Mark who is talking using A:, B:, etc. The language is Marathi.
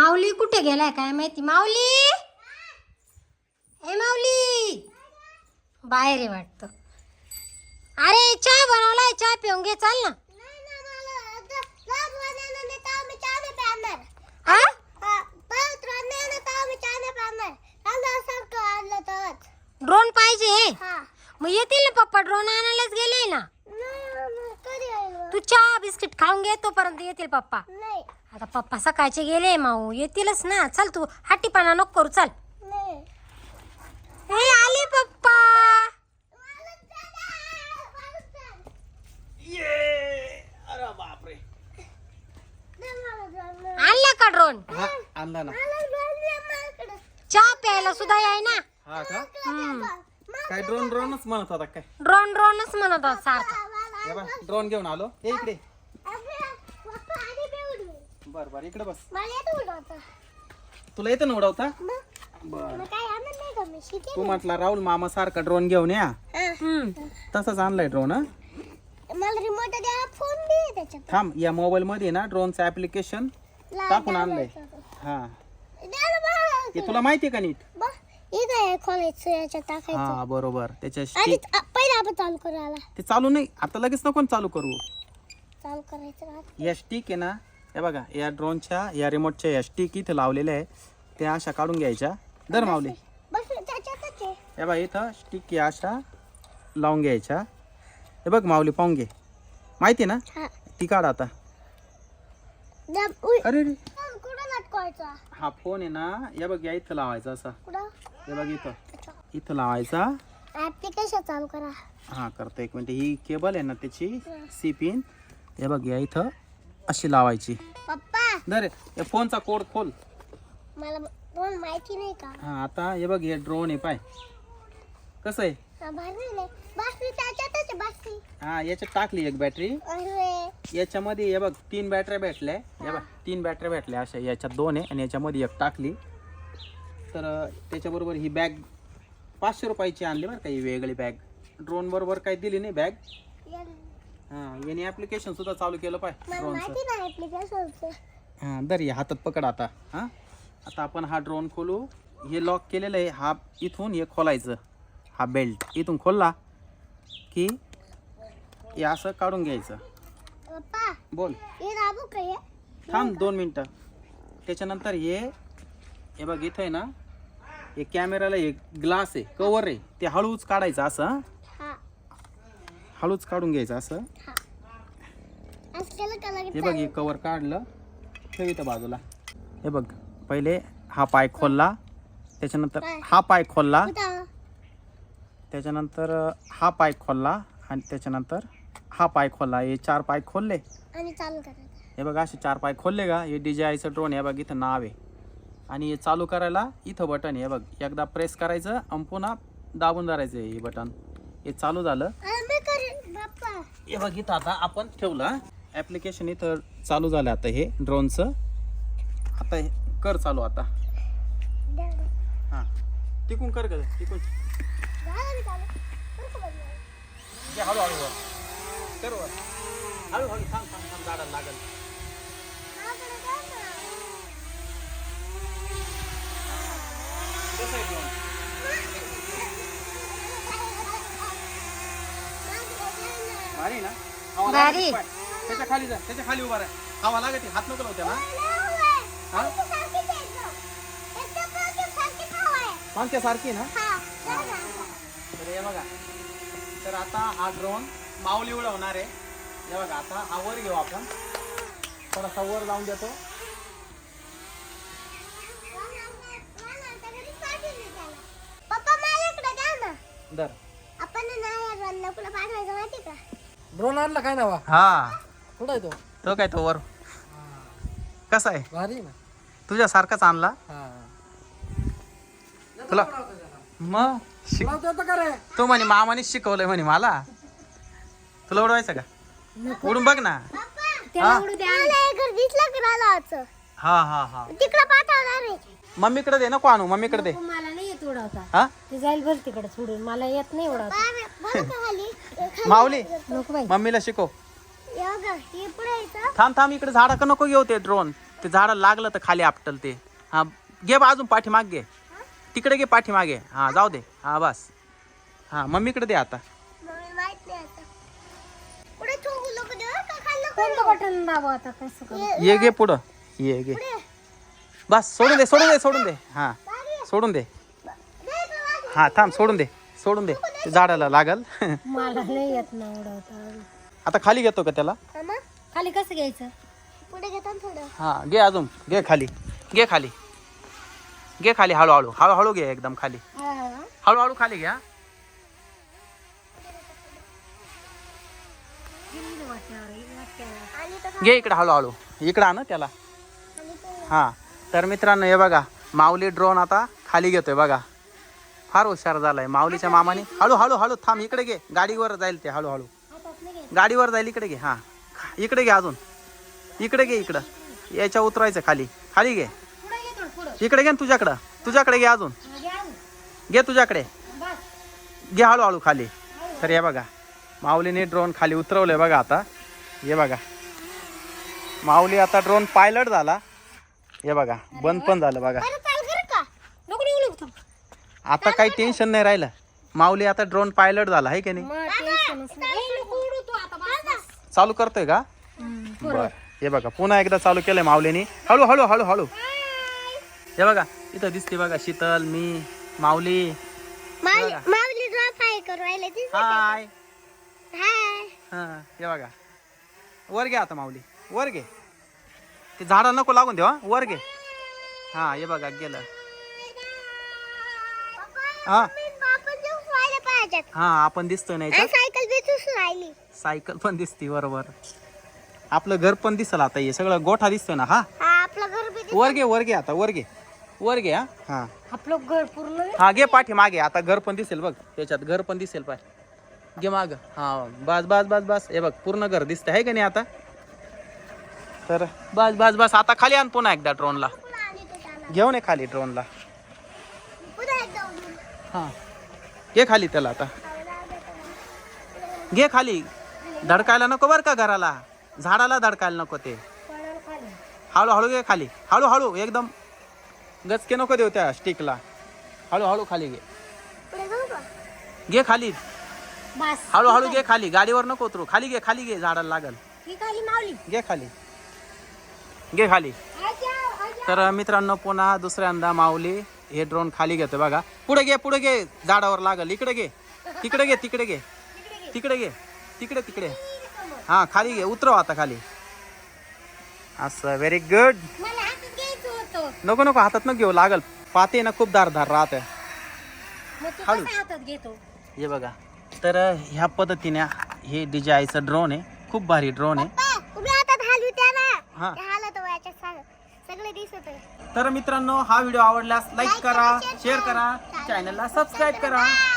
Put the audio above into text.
A: माऊली कुठे गेलाय काय माहिती. माऊली, ए माऊली, बाहेर आहे वाटतं. अरे चहा बनवलाय, चहा पिऊन घे, चाल ना. ड्रोन पाहिजे. मग येतील ना पप्पा, ड्रोन आणायलाच गेले ना. तू चहा बिस्किट खाऊन घे, तोपर्यंत येतील पप्पा. आता पप्पा सकाळचे गेले, माऊ येतीलच ना. चल तू हट्टीपणा नको करू, चल. हे आले पप्पा.
B: अरे बापरे,
A: आणला का ड्रोन?
B: आणला ना.
A: चहा प्यायला सुद्धा याय ना.
B: हा का? काय ड्रोन ड्रोनच म्हणत होता काय?
A: ड्रोन ड्रोनच म्हणत होता सारखा.
B: हे बघ, ड्रोन घेऊन आलो. ए इकडे. बर बर, इकडे बस. तुला येतं ना उडवता? बर. तू म्हटला राहुल मामा सारखा ड्रोन घेऊन या, तसाच आणलाय ड्रोन. थांब, या मोबाईल मध्ये ना ड्रोनचं ऍप्लिकेशन टाकून आणलंय. हा, हे तुला माहितीये का नीट? हा बरोबर. त्याच्या ते चालू नाही आता, लगेच नको चालू करू. या स्टिक आहे ना, हे बघा, या ड्रोनच्या या रिमोटच्या या स्टिक इथे लावलेल्या आहे, त्या अशा काढून घ्यायच्या. दर मावले, हे बघा इथं स्टिक या अशा लावून घ्यायच्या. हे बघ माऊली, पाहून घे, माहिती ना ती. काढ आता. अरे हा फोन आहे ना, हे बघ या इथं लावायचा असा. हे बघ इथं इथं लावायचा.
A: ऍप्लिकेशन चालू करा.
B: हा करतो, एक मिनिट. ही केबल आहे ना त्याची सी पिन, हे बघ या इथं अशी लावायची.
A: पप्पा,
B: दर या फोनचा कोड खोल.
A: मला ड्रोन माहिती नाही का?
B: हा, आता हे बघ, हे ड्रोन आहे, पाय कसं आहे. हा, याच्यात टाकली एक बॅटरी. याच्यामध्ये हे बघ 3 बॅटऱ्या भेटल्या. हे बघ 3 बॅटऱ्या भेटल्या अशा. याच्यात 2 आहे आणि याच्यामध्ये एक टाकली. तर त्याच्याबरोबर ही बॅग 500 रुपयाची आणली बरं का. ही वेगळी बॅग, ड्रोन बरोबर काही दिली नाही बॅग. हा, याने ऍप्लिकेशन सुद्धा चालू केलं पाय ड्रोनचं. हा, दर या हातात पकड आता. हा, आता आपण हा ड्रोन खोलू. हे लॉक केलेलं आहे. हा इथून हे खोलायचं. हा बेल्ट इथून खोलला की हे असं काढून घ्यायचं. बोल. थांब 2 मिनिटं. त्याच्यानंतर हे बघ इथं आहे ना, हे कॅमेराला एक ग्लास आहे, कवर आहे, ते हळूच काढायचं असं. हळूच काढून घ्यायचं असं. हे बघ, हे कवर काढलं, ठेव इथं बाजूला. हे बघ, पहिले हा पाय खोलला, त्याच्यानंतर हा पाय खोलला, त्याच्यानंतर हा पाय खोलला आणि त्याच्यानंतर हा पाय खोलला. हे 4 पाय खोलले
A: आणि चालू करायचं.
B: हे बघा, असे 4 पाय खोलले का, हे DJIचं ड्रोन. हे बघ इथं नाव आहे आणि हे चालू करायला इथं बटन आहे. हे बघ, एकदा प्रेस करायचं आणि पुन्हा दाबून धरायचं हे बटन. हे चालू झालं. हे बघ इथं आता आपण ठेवलं ऍप्लिकेशन, इथं चालू झालं आता हे ड्रोनचं. आता हे कर चालू आता. हा, टिकून कर ग, टिकून. हळूहळू वर कर, वर हळूहळू. थांब थांब थांब, झाडाला लागल. कसं आहे ड्रोन? भारी ना? हवा
A: भारी.
B: लागते, त्याच्या खाली जा, त्याच्या खाली उभा राहा. हवा लागते, हात नको लावू त्याला. हा, पंख्या सारखी ना. तर हे बघा, तर आता हा ड्रोन माऊली उडवणार आहे. हे बघा, आता हा वर घेऊ आपण, थोडासा वर लावून देतो. दर
C: ड्रोन आणला काय नावा?
B: हा,
C: कुठं आहे तो?
B: तो काय तो वर. कसा आहे?
C: भारी ना.
B: तुझ्यासारखाच आणला तुला. मग
C: उडवता का रे?
B: तू म्हणे मामाने शिकवलंय म्हणे मला. तुला उडवायचं का? उडून बघ ना. हा हा हा, मम्मीकडे दे, नको आणू, मम्मीकडे दे.
A: मला नाही येत उडवता.
B: हा,
A: ते जाईल भर तिकडे सोडून, मला येत नाही उडवता.
B: माऊली
A: नको बाई.
B: मम्मीला शिकव. थांब थांब, इकडे झाडा का नको घेऊ ते ड्रोन. ते झाडाला लागलं तर खाली आपटल ते. हा घे बा अजून पाठीमाग घे, तिकडे घे पाठीमागे. हा जाऊ दे. हा बस. हा मम्मीकडे दे आता.
A: कोणतं बटन दाबा आता कसं करू?
B: ये घे पुढं, ये घे. बस सोडून दे, सोडून दे, सोडून दे. हा सोडून दे. हा थांब, सोडून दे, सोडून दे. ते झाडाला लागल.
A: मला नाही येत ना उडवता.
B: आता खाली घेतो का त्याला?
A: खाली कसं घ्यायचं? पुढे घेतो थोडं.
B: हा घे अजून, घे खाली, घे खाली, घे खाली. हळूहळू, हळूहळू घे एकदम खाली. हळूहळू खाली घ्या. घे इकडे हळूहळू, इकडे आण त्याला. हा तर मित्रांनो हे बघा, माऊली ड्रोन आता खाली घेतोय बघा. फार हुशार झालाय माऊलीच्या मामाने. हळू हळू हळू थांब, इकडे घे, गाडीवर जाईल ते. हळूहळू गाडीवर जाईल. इकडे घे. हा इकडे घे अजून, इकडे घे. इकडं याच्या उतरायचं खाली, खाली घे. इकडे घे ना, तुझ्याकडं, तुझ्याकडे घे अजून, घे तुझ्याकडे, घे हळूहळू खाली. तर हे बघा माऊलीने ड्रोन खाली उतरवलंय बघा. आता हे बघा माऊली आता ड्रोन पायलट झाला. हे बघा बंद पण झालं बघा. आता काही टेन्शन नाही राहिलं. माऊली आता ड्रोन पायलट झाला आहे की नाही? चालू करतोय का? बर हे बघा पुन्हा एकदा चालू केलंय माऊलीने. हळू हळू हळू हळू. हे बघा इथं दिसते बघा शीतल, मी, माऊली. हाय. हा हे बघा वर घे आता माऊली, वर घे. ते झाडा नको लागून देवा, वर घे. हा हे बघा गेलं. हा हा आपण दिसतोय नाही का? सायकल पण दिसते बरोबर. आपलं घर पण दिसल आता. हे सगळं गोठा दिसतोय ना. हा वर घे, वर घे आता, वर घे, वर घे. हा हा
A: आपलं घर पूर्ण
B: हा घे पाठी मागे. आता घर पण दिसेल बघ, त्याच्यात घर पण दिसेल. पाय घे माग. हा बस बस बस बस. हे बघ पूर्ण घर दिसतंय आहे का नाही आता? तर बस बस बस. आता खाली आण पुन्हा एकदा ड्रोनला. घेऊन ये खाली ड्रोनला. हा घे खाली त्याला आता, घे खाली. धडकायला नको बर का घराला, झाडाला धडकायला नको ते. हळूहळू घे खाली, हळूहळू एकदम गचके नको देऊ त्या स्टिकला. हळूहळू खाली घे, घे खाली.
A: बस
B: हळूहळू घे खाली, गाडीवर नको उतरू. खाली घे, खाली घे, झाडाला लागल. घे खाली, घे खाली. तर मित्रांनो पुन्हा दुसऱ्यांदा माऊली हे ड्रोन खाली घेतोय बघा. पुढे घे, पुढे घे, झाडावर लागल. इकडे घे, तिकडे घे, तिकडे घे, तिकडे घे, तिकडे तिकडे. हा खाली घे, उतरव आता खाली. असं व्हेरी गुड. नको नको हातात नको घेऊ, लागल. पाते ना खूप धारधार राहत. हळू. हे बघा तर ह्या पद्धतीने हे DJIचं ड्रोन आहे. खूप भारी ड्रोन आहे. हा तर मित्रांनो हा व्हिडिओ आवडल्यास लाईक करा, शेअर करा, चॅनलला सबस्क्राईब करा.